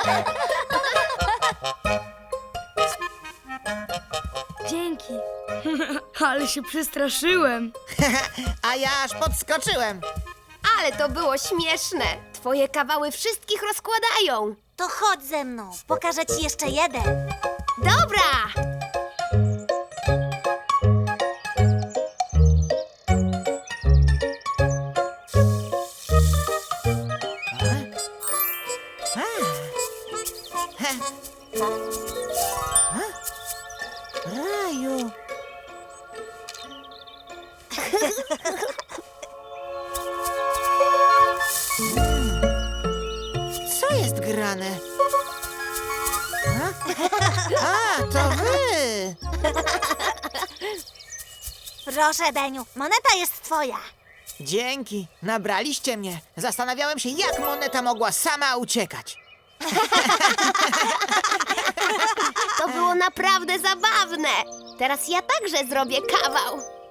Dzięki. Ale się przestraszyłem. A ja aż podskoczyłem. Ale to było śmieszne. Twoje kawały wszystkich rozkładają. To chodź ze mną, pokażę ci jeszcze jeden. Dobra! Raju. Co jest grane? A, to wy! Proszę, Beniu, moneta jest twoja. Dzięki, nabraliście mnie. Zastanawiałem się, jak moneta mogła sama uciekać. To było naprawdę zabawne. Teraz ja także zrobię kawał.